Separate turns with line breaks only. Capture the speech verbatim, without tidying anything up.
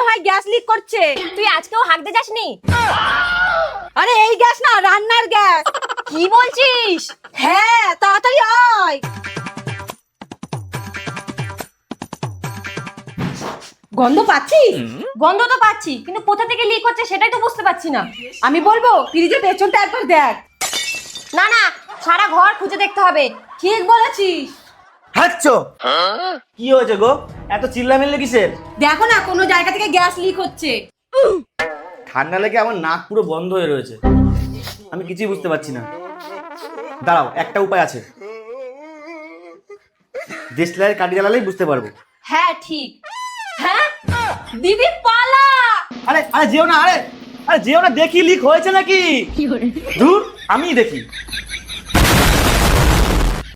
মনে হয় gas leak করছে।
তুই আজকেও হাঁকতে যাসনি?
আরে এই গ্যাস না, রান্নার গ্যাস।
কি বলছিস?
হ্যাঁ তাড়াতাড়ি আয়। গন্ধ পাচ্ছিস?
গন্ধ তো পাচ্ছি, কিন্তু কোথা থেকে লিক হচ্ছে সেটাই তো বুঝতে পারছি না।
আমি বলবো ফ্রিজের পেছনটা একবার দেখ।
না না, সারা ঘর খুঁজে দেখতে হবে।
ঠিক বলেছিস।
হাঁচছো কি হয়েছে গো, এত চিল্লামিল্লি কিসের?
দেখো না কোনো জায়গা থেকে গ্যাস লিক হচ্ছে।
ঠান্ডা লেগে আমার নাক পুরো বন্ধ হয়ে রয়েছে, আমি কিছুই বুঝতে পারছি না। দাঁড়াও, একটা উপায় আছে, দেশলাইয়ের কাঠি জ্বালালেই বুঝতে পারবো।
হ্যাঁ ঠিক। হ্যাঁ দিদি পালা।
আরে আরে যেও না, আরে আরে যেও না, দেখি লিক হয়েছে নাকি। ধুর, আমিই দেখি।